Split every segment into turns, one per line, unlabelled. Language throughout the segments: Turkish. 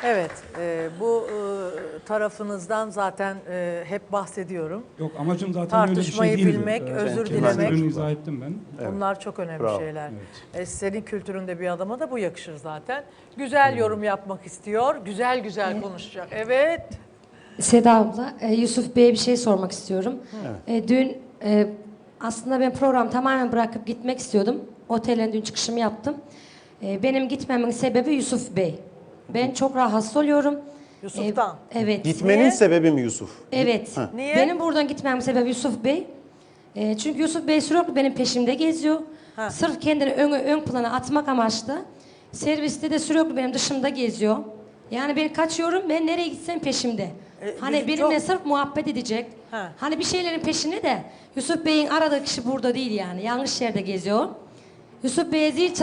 Evet, bu tarafınızdan zaten hep bahsediyorum.
Yok, amacım zaten öyle bir şey
Tartışmayı
değildi.
bilmek, özür
Kendisine
dilemek.
ürünü izah ettim ben.
Bunlar çok önemli
Bravo.
şeyler.
Evet.
Senin kültüründe bir adama da bu yakışır zaten. Güzel yorum yapmak istiyor, güzel güzel konuşacak. Evet.
Seda abla, Yusuf Bey'e bir şey sormak istiyorum. Dün aslında ben programı tamamen bırakıp gitmek istiyordum. Otelden dün çıkışımı yaptım. Benim gitmemin sebebi Yusuf Bey. Ben çok rahatsız oluyorum.
Yusuf'tan.
Evet.
Gitmenin
Niye?
sebebi mi Yusuf?
Evet.
Niye?
Benim buradan gitmemin sebebi Yusuf Bey. Çünkü Yusuf Bey sürekli benim peşimde geziyor.
Ha.
Sırf kendini ön plana atmak amaçlı. Serviste de sürekli benim dışımda geziyor. Yani ben kaçıyorum, ben nereye gitsem peşimde. Hani
bizim
benimle
çok-
sırf muhabbet edecek.
Ha.
Hani bir şeylerin peşinde de Yusuf Bey'in aradığı kişi burada değil yani. Yanlış yerde geziyor. Yusuf Bey'e zil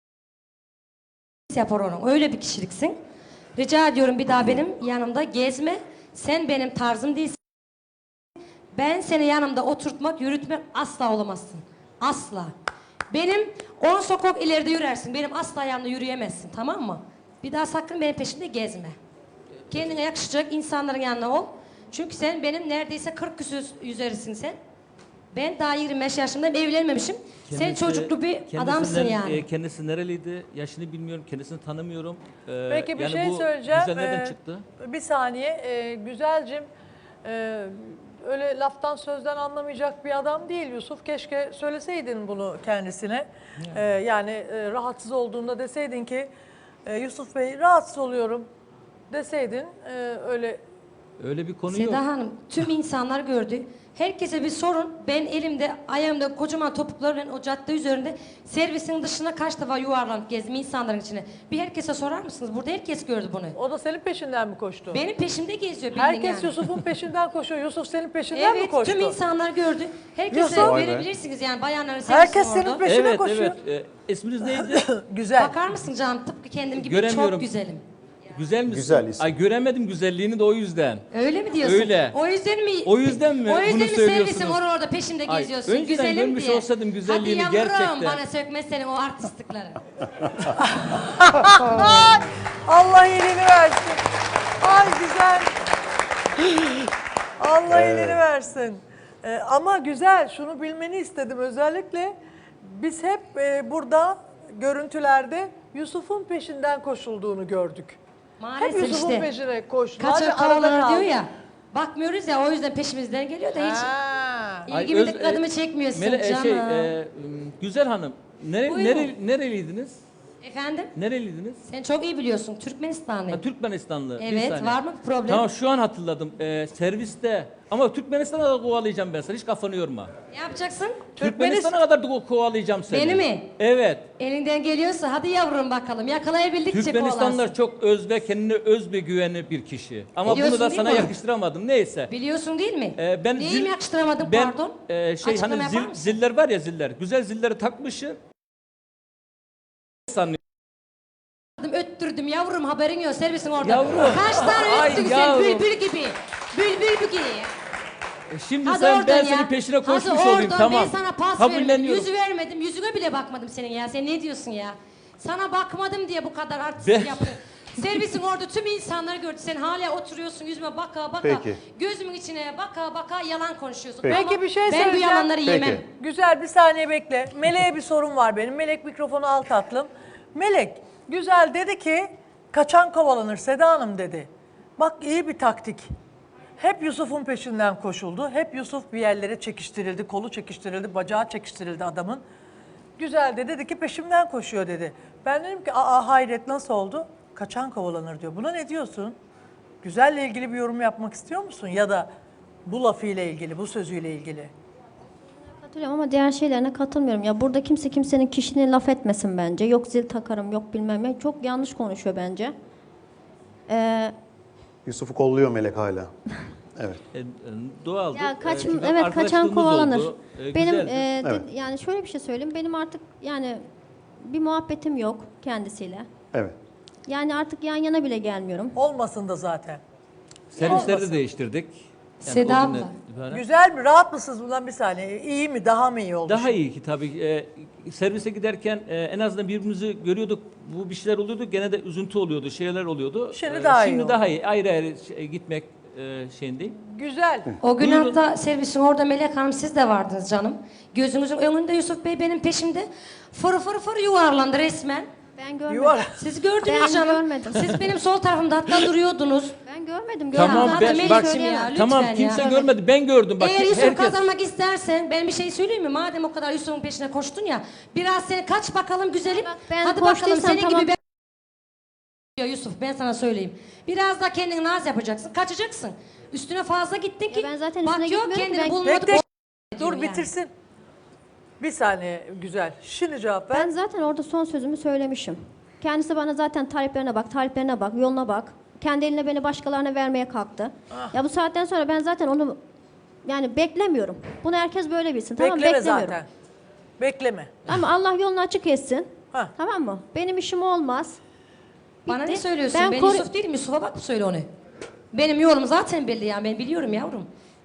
yapar onun. Öyle bir kişiliksin. Rica ediyorum bir daha benim yanımda gezme. Sen benim tarzım değilsin. Ben seni yanımda oturtmak, yürütmek asla olamazsın. Asla. Benim 10 sokak ileride yürersin. Benim asla yanımda yürüyemezsin, tamam mı? Bir daha sakın benim peşimde gezme. Kendine yakışacak insanların yanına ol. Çünkü sen benim neredeyse 40 küsur üzerisin sen. Ben daha 25 yaşındayım, evlenmemişim. Sen çocuklu bir adamsın yani.
Kendisi nereliydi? Yaşını bilmiyorum, kendisini tanımıyorum.
Peki bir
yani
şey
bu
söyleyeceğim.
güzel nereden çıktı?
Bir saniye. Güzelcim, öyle laftan sözden anlamayacak bir adam değil Yusuf. Keşke söyleseydin bunu kendisine. Yani rahatsız olduğunda deseydin ki Yusuf Bey rahatsız oluyorum deseydin öyle.
Öyle bir konu
Seda
yok.
Hanım, tüm insanlar gördü. Herkese bir sorun. Ben elimde, ayağımda kocaman topuklarla o cadde üzerinde servisin dışına kaç defa yuvarlanıp gezdim insanların içine. Bir herkese sorar mısınız? Burada herkes gördü bunu.
O da senin peşinden mi koştu?
Benim peşimde geziyor bildin
Herkes
yani.
Yusuf'un peşinden koşuyor. Yusuf senin peşinden mi
Evet,
koştu?
tüm insanlar gördü. Herkese
Yusuf.
verebilirsiniz yani bayanların
Herkes
servisin
senin
orada.
peşine
Evet,
koşuyor.
evet. İsminiz neydi?
Güzel.
Bakar mısın canım? Tıpkı kendim gibi
Göremiyorum.
çok güzelim.
Güzel misin?
Güzel isim.
Ay göremedim güzelliğini de o yüzden.
Öyle mi diyorsun?
Öyle.
O yüzden mi?
O yüzden mi
O yüzden
bunu
mi
söylüyorsunuz?
servisin orada peşimde
Ay,
geziyorsun?
önceden
Güzelim
görmüş
diye.
olsaydım güzelliğini
Hadi yavrum
gerçekten.
bana sökme senin o artistlikleri.
Allah iyiliğini versin. Ay güzel. Allah iyiliğini versin. Ama güzel, şunu bilmeni istedim özellikle. Biz hep burada görüntülerde Yusuf'un peşinden koşulduğunu gördük.
Maalesef
Hep Yusuf'un
işte.
peşine koştular.
Kaçak
ve arada
kovalanır diyor
kaldı.
ya. Bakmıyoruz ya o yüzden peşimizden geliyor da hiç
Ha.
Ay,
ilgimi
öz-
dikkatimi çekmiyorsun
Mele-
canım.
Güzel hanım.
Buyurun.
Nereliydiniz?
Efendim?
Nereliydiniz?
Sen çok iyi biliyorsun Türkmenistanlıyım.
Ha, Türkmenistanlı. Bir
Evet,
saniye.
var mı bir problem?
Tamam şu an hatırladım. Serviste. Ama Türkmenistan'a da kovalayacağım ben seni. Hiç kafanı yorma.
Ne yapacaksın?
Türkmenistan'a kadar da kovalayacağım seni.
Beni mi?
Evet.
Elinden geliyorsa hadi yavrum bakalım yakalayabildikçe
Türkmenistanlılar
kovalarsın.
çok öz ve kendine öz bir güveni bir kişi. Ama
Biliyorsun
bunu da
değil
sana
mi?
yakıştıramadım. Neyse.
Biliyorsun değil mi?
Ben
Neyimi yakıştıramadım
ben,
pardon?
Hani
Açıklama yapar mısın?
ziller var ya ziller. Güzel zilleri takmışım. Sanıyorum.
Öttürdüm yavrum haberin yok servisin orada.
Yavrum.
Kaç tane
Ay
öttün sen
yavrum.
bülbül gibi. Bülbül gibi.
Şimdi
Hadi
sen
oradan
ben
ya.
senin peşine
Hadi
koşmuş olayım
oradan,
tamam.
ben sana pas vermedim.
Kabulleniyorum.
Yüzü vermedim. Yüzüne bile bakmadım senin ya. Sen ne diyorsun ya? Sana bakmadım diye bu kadar
Ben-
artistlik yaptın. Servisin orada tüm insanlar gördü. Sen hala oturuyorsun yüzüme baka baka.
Peki.
Gözümün içine baka baka yalan konuşuyorsun.
Peki.
Ama
Peki bir şey
ben bu
söyleyeceğim.
yalanları
Peki.
yemem.
Güzel, bir saniye bekle. Melek'e bir sorun var benim. Melek mikrofonu al tatlım. Melek, güzel dedi ki kaçan kovalanır Seda Hanım dedi. Bak iyi bir taktik. Hep Yusuf'un peşinden koşuldu. Hep Yusuf bir yerlere çekiştirildi, kolu çekiştirildi, bacağı çekiştirildi adamın. Güzel de dedi ki peşimden koşuyor dedi. Ben dedim ki aa hayret nasıl oldu? Kaçan kovalanır diyor. Buna ne diyorsun? Güzelle ilgili bir yorum yapmak istiyor musun? Ya da bu lafıyla ilgili, bu sözüyle ilgili.
Katılıyorum ama diğer şeylerine katılmıyorum. Ya burada kimse kimsenin kişiliğine laf etmesin bence. Yok zil takarım, yok bilmem ne. Çok yanlış konuşuyor bence.
Yusuf'u kolluyor Melek hala. Evet.
Doğaldı.
Ya
Çünkü
evet kaçan
arkadaşlığımız
kovalanır.
oldu.
Benim
Güzeldi.
Evet.
yani şöyle bir şey söyleyeyim. Benim artık yani bir muhabbetim yok kendisiyle.
Evet.
Yani artık yan yana bile gelmiyorum.
Olmasın da zaten.
Servisleri
Olmasın.
de değiştirdik.
Seda
o
abla.
günden itibaren.
Güzel mi? Rahat mısınız bundan bir saniye? İyi mi? Daha mı iyi oldu?
Daha iyi ki tabii. Servise giderken en azından birbirimizi görüyorduk. Bu bir şeyler oluyordu. Gene de üzüntü oluyordu. Şeyler oluyordu.
Şimdi daha iyi
Şimdi
oldu.
daha iyi. Ayrı ayrı gitmek şeyindeyim.
Güzel.
O gün
Buyurun.
hatta servisin orada Melek Hanım siz de vardınız canım. Gözümüzün önünde Yusuf Bey benim peşimde fır fır fır yuvarlandı resmen.
Ben görmedim.
Yuvar.
Siz gördünüz
Ben
canım.
görmedim.
Siz benim sol tarafımda hatta duruyordunuz.
Ben görmedim.
Tamam,
Görmedim.
ben-
Zaten
bak-
söyleyemem.
ya, lütfen
Tamam
ya.
kimse görmedi. Ben gördüm. Bak
Eğer Yusuf
herkes.
kazanmak istersen ben bir şey söyleyeyim mi? Madem o kadar Yusuf'un peşine koştun ya. Biraz seni kaç bakalım güzelim.
Ben
Hadi bakalım
koştuysam
senin
tamam.
gibi ben... Ya Yusuf ben sana söyleyeyim. Biraz da kendini naz yapacaksın. Kaçacaksın. Üstüne fazla gittin ki.
Ya ben zaten
bak
üstüne
yok
gitmiyorum ki,
kendini
ben-
bulmadı.
Bekle.
diyor
Dur
yani.
bitirsin. Bir saniye güzel. Şimdi cevap ver.
Ben zaten orada son sözümü söylemişim. Kendisi bana zaten taliplerine bak, yoluna bak. Kendi eline beni başkalarına vermeye kalktı. Ya bu saatten sonra ben zaten onu yani beklemiyorum. Bunu herkes böyle bilsin. Tamam
Bekleme
beklemiyorum.
zaten. Bekleme.
Ama Allah yolunu açık etsin.
Ha.
Tamam mı? Benim işim olmaz.
Bana ne
Bitti.
söylüyorsun? Ben,
koru-
Yusuf değilim. Yusuf'a bak söyle onu. Benim yolum zaten belli ya. Ben biliyorum yavrum.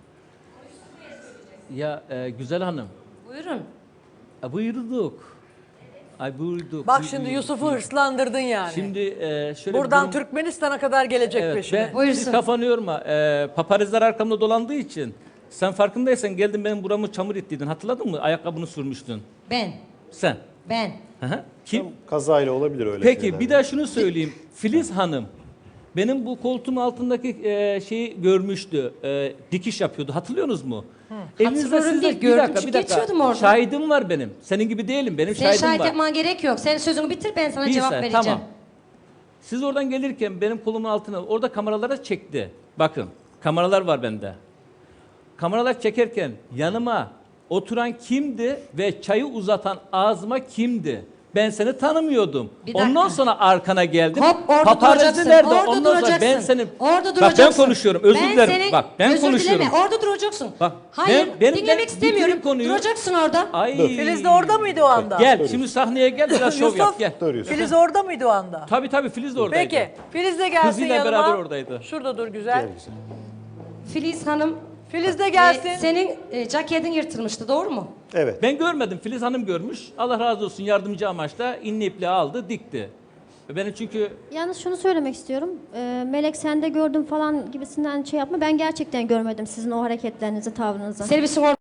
Ya güzel hanım.
Buyurun.
Buyurduk. Ay buyurduk.
Bak şimdi Yusuf'u hırslandırdın yani.
Şimdi şöyle bir
Buradan
durum-
Türkmenistan'a kadar gelecek
Evet,
peşine.
ben
Buyursun.
siz kafanı yorma. Paparazlar arkamda dolandığı için sen farkındaysan geldin benim buramı çamur ettiydin. Hatırladın mı? Ayakkabını sürmüştün.
Ben.
Sen.
Ben.
Hı hı. Kim?
Kazayla olabilir öyle
Peki
şeyler.
bir daha şunu söyleyeyim. Filiz Hanım benim bu koltuğum altındaki şeyi görmüştü. Dikiş yapıyordu. Hatırlıyorsunuz mu?
Hatırlıyorum değil, gördüm çünkü geçiyordum orada.
Şahidim var benim. Senin gibi değilim. Benim
Sen
şahidim
şahit
var.
yapman gerek yok. Sen sözünü bitir ben sana
Bir
cevap
saniye,
vereceğim.
Tamam. Siz oradan gelirken benim kolumun altına orada kameralara çekti. Bakın kameralar var bende. Kameralar çekerken yanıma oturan kimdi ve çayı uzatan ağzıma kimdi? Ben seni tanımıyordum.
Bir dakika.
Ondan sonra arkana geldim.
Hop orada
Paparazzi
duracaksın.
nerede?
Orada
Ondan sonra
duracaksın.
ben senin...
Orada
Bak
duracaksın.
ben konuşuyorum. Özür dilerim.
senin-
Bak ben
özür
konuşuyorum.
dileme. Orada duracaksın.
Bak,
Hayır
ben
dinlemek
bitireyim
istemiyorum.
konuyu.
Duracaksın orada.
Ay.
Filiz de orada mıydı o anda?
Gel şimdi sahneye gel biraz şov yap
Yusuf,
gel.
Dur Yusuf.
Filiz orada mıydı o anda?
Tabii Filiz de oradaydı.
Peki. Filiz de gelsin
Kızıyla
yanıma.
beraber oradaydı.
Şurada dur güzel.
Filiz Hanım
Filiz de gelsin.
senin ceketin yırtılmıştı doğru mu?
Evet.
Ben görmedim. Filiz Hanım görmüş. Allah razı olsun yardımcı amaçla inli ipliği aldı, dikti. Benim çünkü
Yalnız şunu söylemek istiyorum. Melek sen de gördüm falan gibisinden şey yapma. Ben gerçekten görmedim sizin o hareketlerinizi, tavrınızı.
Servisin orada.